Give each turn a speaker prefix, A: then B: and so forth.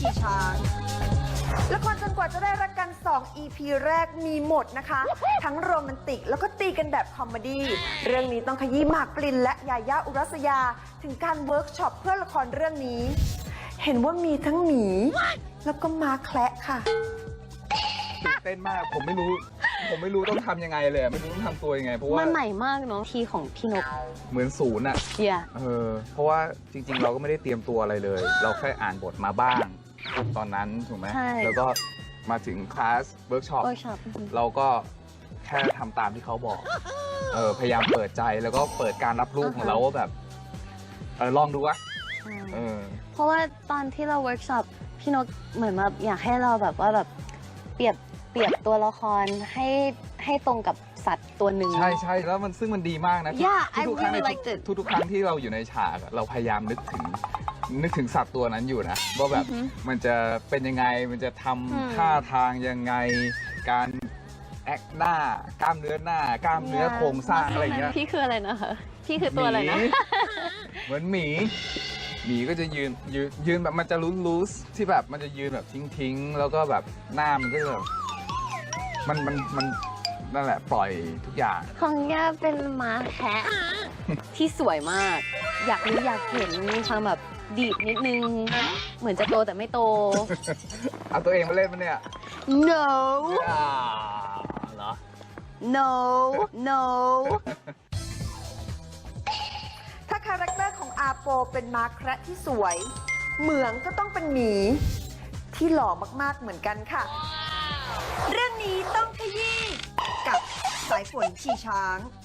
A: ขี่ช้างละครจนกว่าจะได้รักกัน2 EP แรกมีหมดนะคะ ทั้งโรแมนติกแล้วก็ตีกันแบบคอมเมดี้เรื่องนี้ต้องขยี้หมากปรินและยาย่าอุรัสยาถึงการเวิร์กช็อปเพื่อละครเรื่องนี้ เห็นว่ามีทั้งหมีแล้วก็ม้าแคระค่ะ
B: ตื่นเต้นมากผมไม่รู้ต้องทำยังไงเลยไม่รู้ต้องทำตัวยังไงเพราะว่า
C: มันใหม่มากเนาะทีของพี่นก
B: เหมือนศูนย์อ่ะเพราะว่าจริงๆเราก็ไม่ได้เตรียมตัวอะไรเลย เราแค่อ่านบทมาบ้างตอนนั้นถูกไหมแล้วก็มาถึงคลาสเวิร์กช็อปเราก็แค่ทำตามที่เขาบอกพยายามเปิดใจแล้วก็เปิดการรับรู้ของเราว่าแบบลองดูวะ
C: เพราะว่าตอนที่เราเวิร์กช็อปพี่นกเหมือนแบบอยากให้เราแบบว่าแบบเปรียบตัวละครให้ตรงกับสัตว์ตัวหนึ่ง
B: ใช่แล้วซึ่งมันดีมากนะทุกครั้งทุกครั้งที่เราอยู่ในฉากเราพยายามนึกถึงสัตว์ตัวนั้นอยู่นะว่าแบบมันจะเป็นยังไงมันจะทำท่าทางยังไงการแอคหน้ากล้ามเนื้อหน้ากล้ามเนื้อโครงสร้างอะไรเงี้ย
C: พี่คืออะไรนะคะพี่คือตัวอะไรนะ
B: เหมือนหมีก็จะยืนแบบมันจะลูสที่แบบมันจะยืนแบบทิ้งแล้วก็แบบหน้ามันก็จะแบบมันนั่นแหละปล่อยทุกอย่าง
C: ของย่าเป็นม้าแคะที่สวยมากอยากเห็นมีความแบบดีดนิดนึงเหมือนจะโตแต่ไม่โต
B: เอาตัวเองมาเล่นมันเนี่ย
C: no
B: เหรอ
C: no
A: ถ้าคาแรคเตอร์ของอาโปเป็นม้าแคระที่สวยเหมืองก็ต้องเป็นหมีที่หล่อมากๆเหมือนกันค่ะเรื่องนี้ต้องขยี้กับสายฝนขี่ช้าง